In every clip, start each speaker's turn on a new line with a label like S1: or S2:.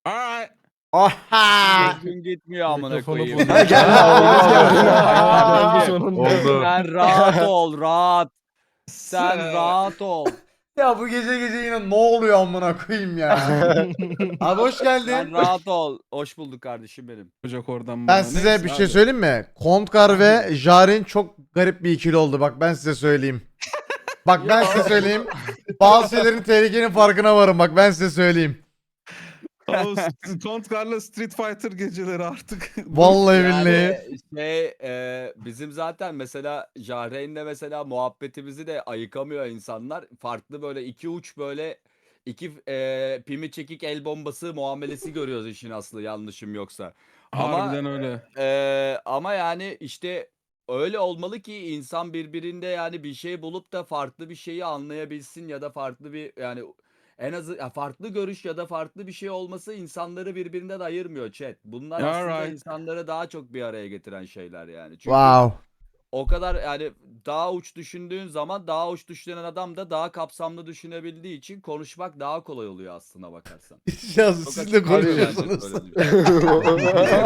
S1: Alright.
S2: Oha!
S3: Gün gitmiyor amına
S4: Mikrofonu
S3: koyayım.
S4: buldum.
S2: Geldi.
S4: Geldi sonunda.
S1: Oldu.
S3: Sen rahat ol, rahat. Sen rahat ol.
S2: Ya bu gece yine ne oluyor amına koyayım ya. Abi hoş
S3: Sen
S2: geldin.
S3: rahat ol. Hoş bulduk kardeşim benim.
S1: Olacak oradan
S2: Ben
S1: bana.
S2: size
S1: Neyse
S2: bir şey
S1: abi.
S2: söyleyeyim mi? Kontkar ve Jaren çok garip bir ikili oldu. Bak ben size söyleyeyim. Bak ben size söyleyeyim. Bazı şeylerin tehlikenin farkına varım. Bak ben size söyleyeyim.
S1: O Kontkar'la Street Fighter geceleri artık.
S2: Vallahi billahi.
S3: Bizim zaten mesela Jahreyn'le mesela muhabbetimizi de ayıkamıyor insanlar. Farklı böyle iki uç böyle iki pimi çekik el bombası muamelesi görüyoruz işin aslı yanlışım yoksa.
S1: Harbiden öyle.
S3: Ama yani işte öyle olmalı ki insan birbirinde yani bir şey bulup da farklı bir şeyi anlayabilsin ya da farklı bir yani en azı ya farklı görüş ya da farklı bir şey olması insanları birbirinden ayırmıyor chat. Bunlar aslında
S1: Alright.
S3: insanları daha çok bir araya getiren şeyler yani. Çünkü
S2: Wow.
S3: o kadar yani daha uç düşündüğün zaman daha uç düşünen adam da daha kapsamlı düşünebildiği için konuşmak daha kolay oluyor aslına bakarsan.
S2: Ya
S3: Çok
S2: siz de
S3: açık var yani
S2: konuşuyorsunuz.
S3: böyle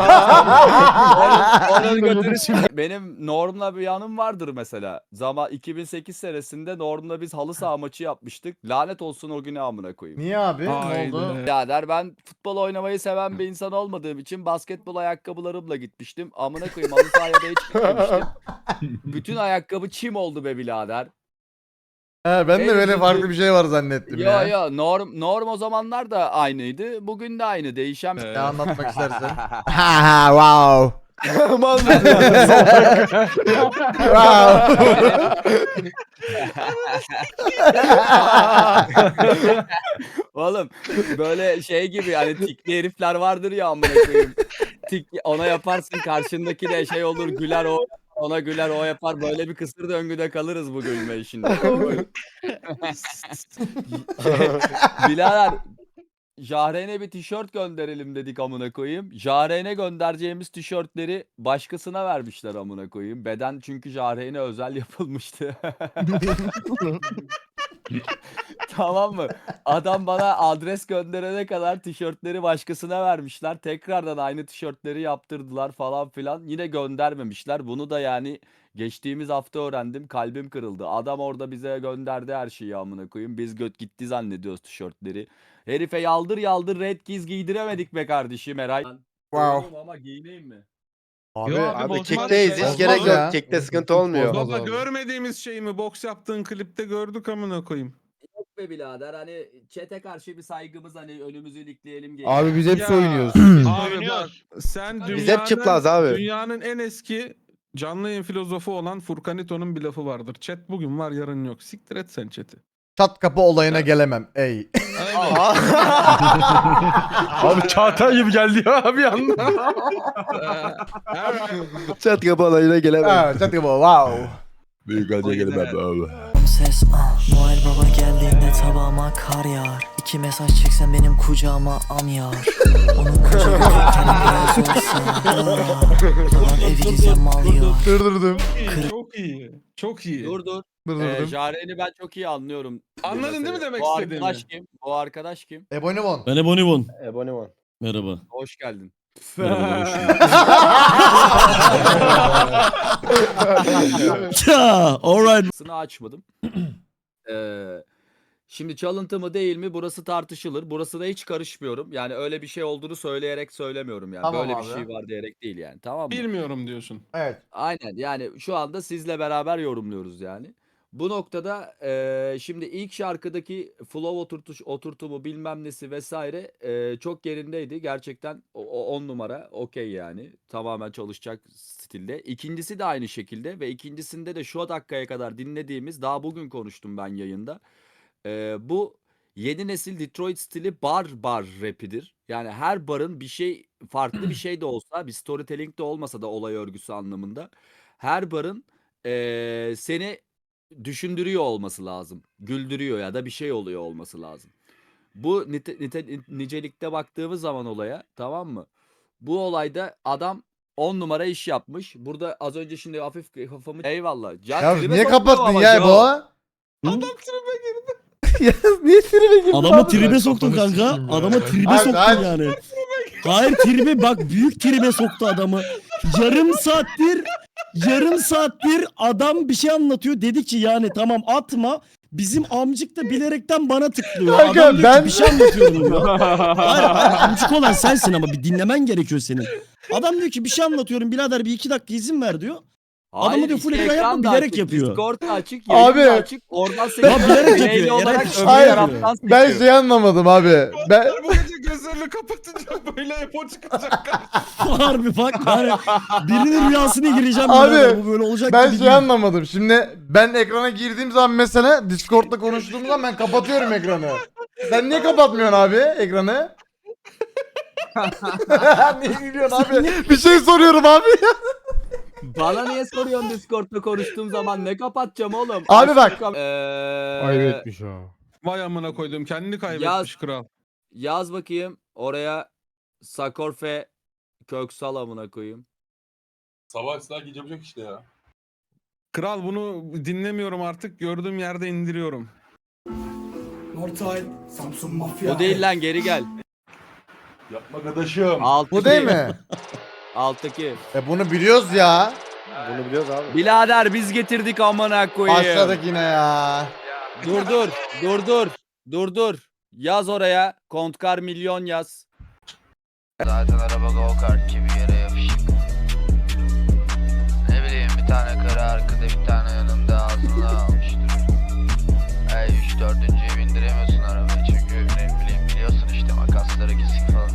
S3: Onun götürü şimdi. Benim Norm'la bir yanım vardır mesela. 2008 senesinde Norm'la biz halı saha maçı yapmıştık. Lanet olsun o güne amına koyayım.
S2: Niye abi? Ne
S1: Haydi.
S2: oldu?
S3: Birader ben futbol oynamayı seven bir insan olmadığım için basketbol ayakkabılarımla gitmiştim. Amına koyayım halı sahaya da hiç gitmemiştim. Bütün ayakkabı çim oldu be birader.
S2: He, ben de
S3: En
S2: böyle
S3: üzücü-
S2: farklı bir şey var zannettim
S3: Yo
S2: ya.
S3: yo Norm o zamanlar da aynıydı. Bugün de aynı. Değişen bir
S2: Ne anlatmak istersen. Ha wow.
S3: Oğlum böyle şey gibi hani tikli herifler vardır ya amına koyayım. Ona yaparsın karşındaki de şey olur güler o ona güler o yapar böyle bir kısır döngüde kalırız bu gülme işinde. Birader Jahreyn'e bir tişört gönderelim dedik amına koyayım. Jahreyn'e göndereceğimiz tişörtleri başkasına vermişler amına koyayım. Beden çünkü Jahreyn'e özel yapılmıştı. Tamam mı? Adam bana adres gönderene kadar tişörtleri başkasına vermişler. Tekrardan aynı tişörtleri yaptırdılar falan filan. Yine göndermemişler. Bunu da yani geçtiğimiz hafta öğrendim. Kalbim kırıldı. Adam orada bize gönderdi her şeyi amına koyayım. Biz göt gitti zannediyoruz tişörtleri. Herife yaldır yaldır red giz giydiremedik be kardeşim Eray.
S2: Wow.
S3: Ama giyineyim mi?
S2: Abi,
S1: Yo
S5: Abi
S1: bozmaz
S5: kekteyiz
S1: şey.
S5: hiç gerek
S2: Bozmaz ya.
S5: yok. Kekte sıkıntı olmuyor.
S4: Bozmaz.
S1: Baba
S4: abi.
S1: görmediğimiz şey mi? Boks yaptığın klipte gördük amına koyayım.
S3: Yok be birader hani çete karşı bir saygımız hani önümüzü ilikleyelim diye.
S4: Abi biz hepsi
S1: Ya.
S4: oynuyoruz.
S1: Abi bak sen
S3: Biz
S5: hep çıplaz abi.
S1: Dünyanın en eski canlı yayın filozofu olan Furkanito'nun bir lafı vardır. Chat bugün var yarın yok. Siktir et sen chat'i.
S2: çat kapı olayına gelemem. Ey.
S4: Abi Çağatay gibi geldi ya bir anda.
S5: Çat kapı olayına gelemem.
S2: Ha, çat kapı wow.
S6: Büyük acı gelemem abi.
S7: Ses Noel Baba geldiğinde tabağıma kar yağar. 2 mesaj çeksen benim kucağıma am yağar. Onun koca gözü biraz olsa yalan evi bize mal yiyor.
S2: Durdurdum.
S1: Çok iyi. Çok iyi.
S3: Dur.
S2: Durdurdum.
S3: Jahreyn'i ben çok iyi anlıyorum.
S1: Anladın değil mi demek
S3: Bu
S1: istediğimi?
S3: arkadaş kim? Bu arkadaş kim?
S2: Ebonimon.
S8: Ben Ebonimon.
S5: Ebonimon.
S8: Merhaba.
S3: Hoş geldin.
S8: Merhaba. Hoş bulduk. Ya, alright.
S3: Sını açmadım. Şimdi çalıntı mı değil mi burası tartışılır. Burası da hiç karışmıyorum. Yani öyle bir şey olduğunu söyleyerek söylemiyorum yani.
S2: Tamam
S3: Böyle
S2: abi.
S3: bir şey var diyerek değil yani. Tamam mı?
S1: Bilmiyorum diyorsun.
S2: Evet.
S3: Aynen yani şu anda sizle beraber yorumluyoruz yani. Bu noktada şimdi ilk şarkıdaki flow oturtumu bilmem nesi vesaire çok yerindeydi. Gerçekten 10 numara okey yani. Tamamen çalışacak stilde. İkincisi de aynı şekilde ve ikincisinde de şu dakikaya kadar dinlediğimiz daha bugün konuştum ben yayında. Bu yeni nesil Detroit stili bar rapidir. Yani her barın bir şey farklı bir şey de olsa bir storytelling de olmasa da olay örgüsü anlamında. Her barın seni düşündürüyor olması lazım. Güldürüyor ya da bir şey oluyor olması lazım. Bu nicelikte baktığımız zaman olaya tamam mı? Bu olayda adam 10 numara iş yapmış. Burada az önce şimdi hafif kafamı eyvallah.
S2: Ya
S3: tribe
S2: niye
S3: sokma
S2: kapattın
S3: ama
S2: ya
S3: Joe.
S2: bu?
S1: Adam tribe girdi.
S2: Ya niye tribe girdin
S8: Adamı
S2: abi?
S8: tribe soktun kanka. Adamı tribe
S2: Hadi,
S8: soktun
S2: hadi.
S8: yani. Hayır tribe bak büyük tribe soktu adamı. Yarım saattir adam bir şey anlatıyor. Dedi ki yani tamam atma. Bizim amcık da bilerekten bana tıklıyor.
S2: Kanka,
S8: Adam diyor
S2: ben-
S8: ki bir şey anlatıyorum diyor. Hayır amcık olan sensin ama bir dinlemen gerekiyor senin. Adam diyor ki bir şey anlatıyorum birader bir 2 dakika izin ver diyor. Adamı diyor full
S3: iki
S8: ekran yapma,
S3: da
S8: bilerek
S3: açık,
S8: yapıyor.
S3: Discord da açık,
S2: Abi.
S3: yayın da açık. Oradan seni
S8: Ya bilerek
S3: mail
S8: yapıyor,
S3: olarak
S8: Eray,
S3: öbür
S2: hayır.
S3: taraftan
S2: Ben
S3: seçiyor.
S2: şey anlamadım abi. Ben
S1: Bu gece gözlerini kapatınca böyle epo çıkacak.
S8: Harbi bak yani birinin rüyasına gireceğim
S2: Abi,
S8: birader, bu böyle olacak
S2: ben
S8: gibi
S2: şey
S8: değil.
S2: anlamadım. Şimdi ben ekrana girdiğim zaman mesela Discord'da konuştuğum zaman ben kapatıyorum ekranı. Sen niye kapatmıyorsun abi ekranı? Niye gülüyorsun abi? Bir şey soruyorum abi.
S3: Bana niye soruyorsun Discord'da konuştuğum zaman ne kapatacağım oğlum?
S2: Abi bak.
S4: Ayıp etmiş ha.
S1: Vay amına koydum kendini kaybetmiş
S3: Yaz.
S1: kral.
S3: Yaz bakayım oraya Sakorfe Köksal amına koyayım.
S6: Sabah ıslah gece bucak işte ya.
S1: Kral bunu dinlemiyorum artık gördüğüm yerde indiriyorum.
S3: Bu değil lan geri gel.
S6: Yapma kardeşim.
S3: Alttaki.
S2: Bu değil mi?
S3: Alttaki.
S2: Bunu biliyoruz ya.
S5: Bunu biliyoruz abi.
S3: Birader biz getirdik amına koyayım.
S2: Başladık yine ya.
S3: Dur. Yaz oraya. Kontkar milyon yaz.
S9: Zaten araba go kart gibi yere yapışık. Ne bileyim bir tane karı arkada bir tane yanımda ağzına almıştır. Ey 3-4'üncüye bindiremiyorsun arabayı çünkü ne bileyim biliyorsun işte makasları kesik falan.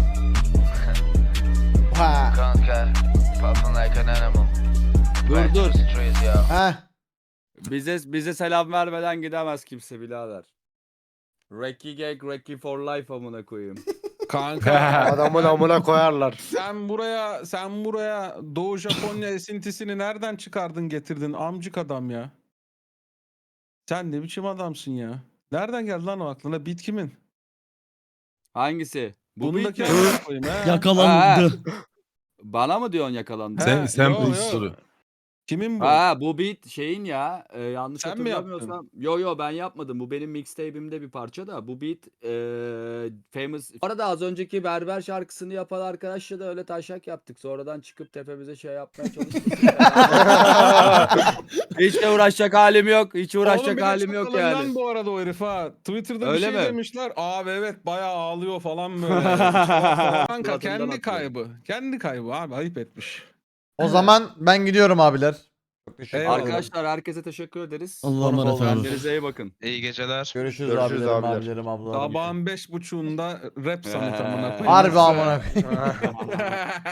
S2: Ha.
S9: Kanka, puffin like an animal. Back to
S3: Dur.
S9: the streets, yo.
S2: Ha.
S3: Bize selam vermeden gidemez kimse birader. Reki Gag, Reki for life amına koyayım.
S1: Kanka
S5: Adamın amına koyarlar.
S1: sen buraya Doğu Japonya esintisini nereden çıkardın getirdin amcık adam ya. Sen ne biçim adamsın ya. Nereden geldi lan o aklına? Beat kimin?
S3: Hangisi? Bu
S1: Bundaki
S3: beat mi?
S1: amına koyayım he.
S8: Yakalandı.
S3: Bana mı diyorsun yakalandı?
S1: He,
S6: Sen
S1: yo, yo.
S6: soru.
S1: Kimin bu?
S3: Ha bu beat şeyin ya yanlış
S1: Sen mi
S3: hatırlamıyorsam. Yo ben yapmadım. Bu benim mixtape'imde bir parça da. Bu beat famous. Bu arada az önceki Berber şarkısını yapan arkadaşla da öyle taşak yaptık. Sonradan çıkıp tepemize şey yapmaya çalıştık. Hiç de uğraşacak halim yok. Hiç
S1: Oğlum
S3: uğraşacak
S1: bir de
S3: halim
S1: çok
S3: yok
S1: alından
S3: yani.
S1: bu arada o herif ha. Twitter'da
S3: Öyle
S1: bir şey
S3: mi?
S1: demişler. Abi evet bayağı ağlıyor falan böyle. Kanka
S3: Suratından
S1: kendi
S3: atıyor.
S1: kaybı. Kendi kaybı abi ayıp etmiş.
S2: O zaman ben gidiyorum abiler. Çok teşekkür
S1: Eyvallah.
S2: ederim.
S3: Arkadaşlar herkese teşekkür ederiz.
S8: Allah'a emanet olun.
S3: Kendinize iyi bakın.
S9: İyi geceler.
S2: Görüşürüz,
S5: Görüşürüz
S2: abilerim,
S5: abiler.
S2: abilerim, ablalarım.
S1: Sabahın 5.30'unda rap sanat amına koyayım.
S2: Harbi amına koyayım.